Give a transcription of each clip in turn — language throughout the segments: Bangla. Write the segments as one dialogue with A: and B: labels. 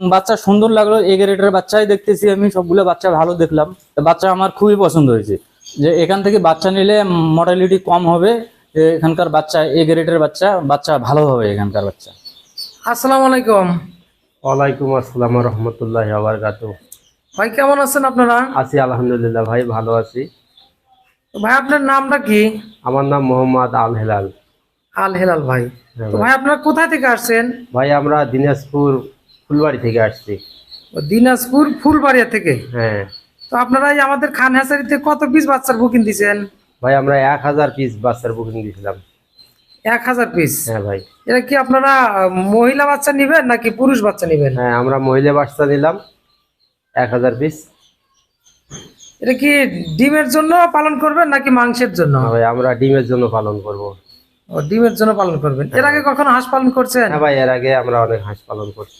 A: বাচ্চা সুন্দর লাগলো, এ গ্রেডের বাচ্চাই দেখতেছি আমি, সবগুলো বাচ্চা ভালো দেখলাম। বাচ্চা আমার খুবই পছন্দ হয়েছে, যে এখান থেকে বাচ্চা নিলে মর্টালিটি কম হবে। এখানকার বাচ্চা এ গ্রেডের বাচ্চা, বাচ্চা ভালো হবে এখানকার বাচ্চা।
B: আসসালামু আলাইকুম।
C: ওয়ালাইকুম আসসালাম রহমতুল্লাহ বারাকাতুহু।
B: ভাই কেমন আছেন আপনারা?
C: আছি আলহামদুলিল্লাহ ভাই, ভালো আছি।
B: তো ভাই আপনার নামটা কি?
C: আমার নাম মোহাম্মদ আল হেলাল।
B: আল হেলাল ভাই।
C: হ্যাঁ
B: তো
C: ভাই।
B: ভাই আপনারা কোথা থেকে আসছেন?
C: ভাই আমরা দিনাজপুর ফুলবাড়ি থেকে আসছি।
B: দিনাজপুর ফুলবাড়িয়া থেকে।
C: হ্যাঁ
B: তো আপনারা এই আমাদের খান হ্যাচারিতে কত পিস বাচ্চার বুকিং দিছেন?
C: ভাই, আমরা 1000 পিস বাচ্চার বুকিং দিয়েছিলাম।
B: 1000 পিস।
C: হ্যাঁ ভাই।
B: এটা কি আপনারা মহিলা বাচ্চা নিবেন নাকি পুরুষ বাচ্চা নিবেন?
C: হ্যাঁ, আমরা মহিলা বাচ্চা নিলাম 1000 পিস।
B: এটা কি ডিমের জন্য পালন করবেন নাকি মাংসের জন্য?
C: হ্যাঁ ভাই, আমরা ডিমের জন্য পালন করব।
B: ও, ডিমের জন্য পালন করবেন। এর আগে কখনো হাঁস পালন করছেন?
C: হ্যাঁ ভাই, এর আগে আমরা অনেক হাঁস পালন করছি।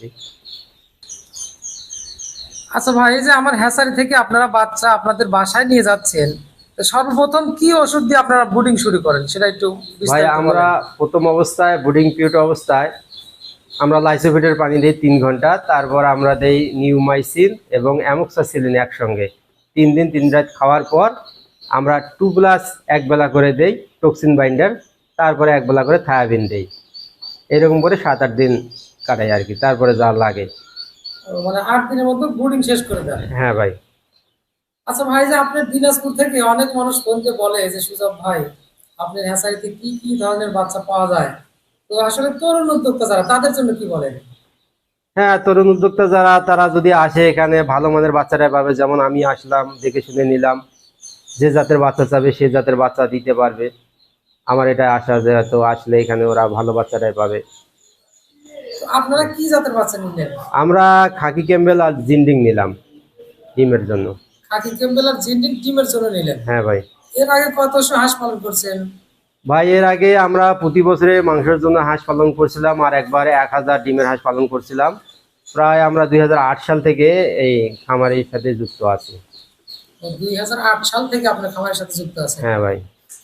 B: আচ্ছা ভাই, এই যে আমার হ্যাচারি থেকে আপনারা বাচ্চা আপনাদের বাসায় নিয়ে যাচ্ছেন, তো সর্বপ্রথম কি ওষুধ দিয়ে আপনারা ব্রুডিং শুরু করেন সেটা একটু
C: ভাই,
B: বিস্তারিত
C: আমরা
B: বলেন।
C: প্রথম অবস্থায় বোর্ডিং পিরিয়ড অবস্থায় আমরা লাইসোভিটের পানি দিই 3 ঘন্টা, তারপর আমরা দেই নিউমাইসিন এবং অ্যামোক্সাসিলিন একসঙ্গে 3 দিন 3 রাত খাওয়ার পর আমরা 2+ এক বেলা করে দেই টক্সিন বাইন্ডার, তারপরে এক বেলা করে থায়াবিন দেই। এরকম করে 7-8 দিন কাটাই আর কি, তারপরে যা লাগে।
B: মানে 8 দিনের মধ্যে ব্রুডিং শেষ করে দেন।
C: হ্যাঁ ভাই।
B: আচ্ছা ভাই, যে আপনার দিনাজপুর থেকে অনেক মানুষ ফোনকে বলে যে সুজব ভাই আপনার হ্যাচারিতে কি কি ধরনের বাচ্চা পাওয়া যায়, তো আসলে তরুণ উদ্যোক্তা যারা তাদের জন্য কি বলেন?
C: হ্যাঁ, তরুণ উদ্যোক্তা যারা, তারা যদি আসে এখানে ভালো মানের বাচ্চাটাই পাবে। যেমন আমি আসলাম, দেখে শুনে নিলাম, যে জাতের বাচ্চা চাবে সে জাতের বাচ্চা দিতে পারবে। আমার এটা আশা যে হয়তো আসলে এখানে ওরা ভালো বাচ্চাটাই পাবে।
B: তো আপনারা কি জাতের বাচ্চা নিলেন?
C: আমরা খাকি ক্যাম্বেল আর জিন্ডিং নিলাম ডিমের জন্য।
B: খাকি ক্যাম্বেল আর জিন্ডিং ডিমের জন্য নিলেন।
C: হ্যাঁ ভাই।
B: এর আগে কতশো হাঁস পালন করছেন?
C: ভাই, এর আগে আমরা প্রতি বছরে মাংসের জন্য হাঁস পালন করছিলাম, আর একবারে 1000 ডিমের হাঁস পালন করছিলাম। প্রায় আমরা 2008 সাল থেকে এই খামারের সাথে যুক্ত আছি।
B: 2008 সাল থেকে আপনার খামারের সাথে যুক্ত আছেন।
C: হ্যাঁ ভাই।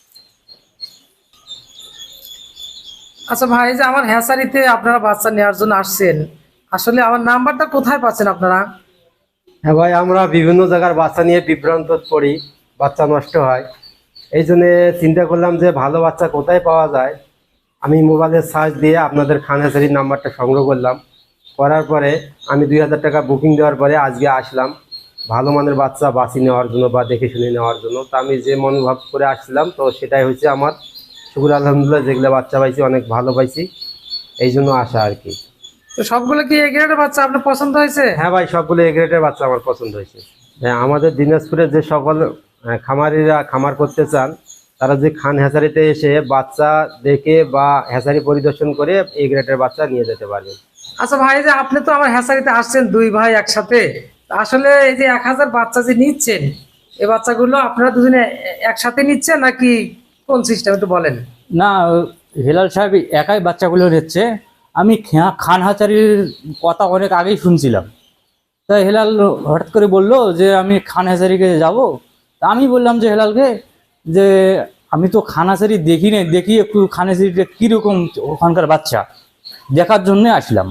B: আচ্ছা ভাই, যে আমার হ্যাচারিতে আপনারা বাচ্চা নেওয়ার জন্য আসছেন, আসলে আমার নাম্বারটা কোথায় পাচ্ছেন আপনারা?
C: হ্যাঁ ভাই, আমরা বিভিন্ন জায়গার বাচ্চা নিয়ে বিভ্রান্ত পড়ি, বাচ্চা নষ্ট হয়। এই জন্য চিন্তা করলাম যে ভালো বাচ্চা কোথায় পাওয়া যায়। আমি মোবাইলে সার্চ দিয়ে আপনাদের খান হ্যাচারির নাম্বারটা সংগ্রহ করলাম। করার পরে আমি 2000 টাকা বুকিং দেওয়ার পরে আজকে আসলাম ভালো মানের বাচ্চা বাছি নেওয়ার জন্য বা দেখে শুনে নেওয়ার জন্য। তো আমি যে মনোভাব করে আসছিলাম, তো সেটাই হচ্ছে আমার। শুকুর আলহামদুলিল্লাহ, যেগুলো বাচ্চা পাইছি অনেক ভালো পাইছি, এই জন্য আসা আর কি।
B: তো সবগুলো কি এ গ্রেডের বাচ্চা আপনার পছন্দ হয়েছে?
C: হ্যাঁ ভাই, সবগুলো এ গ্রেডের বাচ্চা আমার পছন্দ হয়েছে। হ্যাঁ, আমাদের দিনাজপুরে যে সকল খামারিরা খামার করতে চান, তারা যে খান হ্যাচারিতে এসে বাচ্চা দেখে বা হ্যাচারি পরিদর্শন করে এ গ্রেডের বাচ্চা নিয়ে যেতে পারবেন।
B: আচ্ছা ভাই, যে আপনি তো আমার হ্যাচারিতে আসছেন দুই ভাই একসাথে, তো আসলে এই যে 1000 বাচ্চা যে নিচ্ছেন, এই বাচ্চাগুলো আপনারা দুজনে একসাথে নিচ্ছেন নাকি কোন সিস্টেম একটু বলেন।
A: না, হেলাল সাহেব একাই বাচ্চাগুলো নিচ্ছে। আমি খান হাচারির কথা অনেক আগেই শুনছিলাম। তাই হেলাল হঠাৎ করে বললো যে আমি খান হাজারিকে যাব। তা আমি বললাম যে হেলালকে যে আমি তো খান হাজারি দেখি না, দেখি একটু খান হাজারিটা কীরকম ওখানকার বাচ্চা দেখার জন্য আসলাম।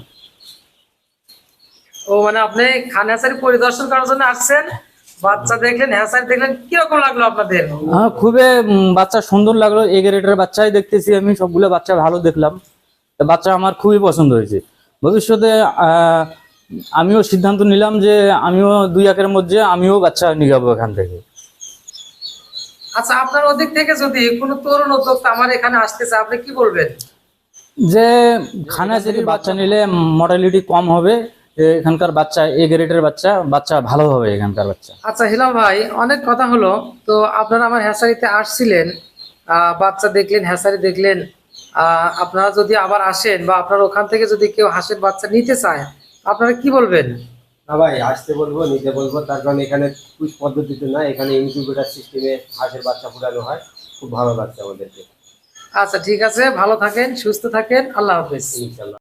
B: ও মানে আপনি খান হ্যাচারি পরিদর্শন করার জন্য আসছেন, বাচ্চা দেখলেন, হ্যাচারি দেখলেন, কিরকম লাগলো আপনাদের?
A: হ্যাঁ, খুবই বাচ্চা সুন্দর লাগলো, এ গ্রেডের বাচ্চাই দেখতেছি আমি, সবগুলো বাচ্চা ভালো দেখলাম। তা বাচ্চা আমার খুবই পছন্দ হয়েছে। ভবিষ্যতে আমিও সিদ্ধান্ত নিলাম যে আমিও 2-1 মধ্যে আমিও বাচ্চা নিয়ে যাবো এখান থেকে।
B: আচ্ছা, আপনার ওদিক থেকে যদি কোনো তরুণ উদ্যোক্তা আমার এখানে আসতে চায়, আপনি কি বলবেন?
A: যে খানাচারি বাচ্চা নিলে মর্টালিটি কম হবে। এখানকার বাচ্চা এ গ্রেডের বাচ্চা, বাচ্চা ভালো হবে এখানকার বাচ্চা।
B: আচ্ছা হিলাল ভাই, অনেক কথা হলো। তো আপনারা আমার হ্যাচারিতে আসছিলেন, বাচ্চা দেখলেন, হ্যাচারি দেখলেন। আপনারা যদি আবার আসেন বা আপনার ওখান থেকে যদি কেউ হাঁসের বাচ্চা নিতে চায়, আপনারা কি বলবেন?
C: না ভাই, আসতে বলবো, নিতে বলবো। তার কারণ এখানে পুশ পদ্ধতিতে না, এখানে ইনকিউবেটর সিস্টেমে হাঁসের বাচ্চা ফুটানো হয়। খুব ভালো লাগছে আমাদেরকে।
B: আচ্ছা ঠিক আছে, ভালো থাকেন, সুস্থ থাকেন, আল্লাহ হাফেজ।
C: ইনশাল্লাহ।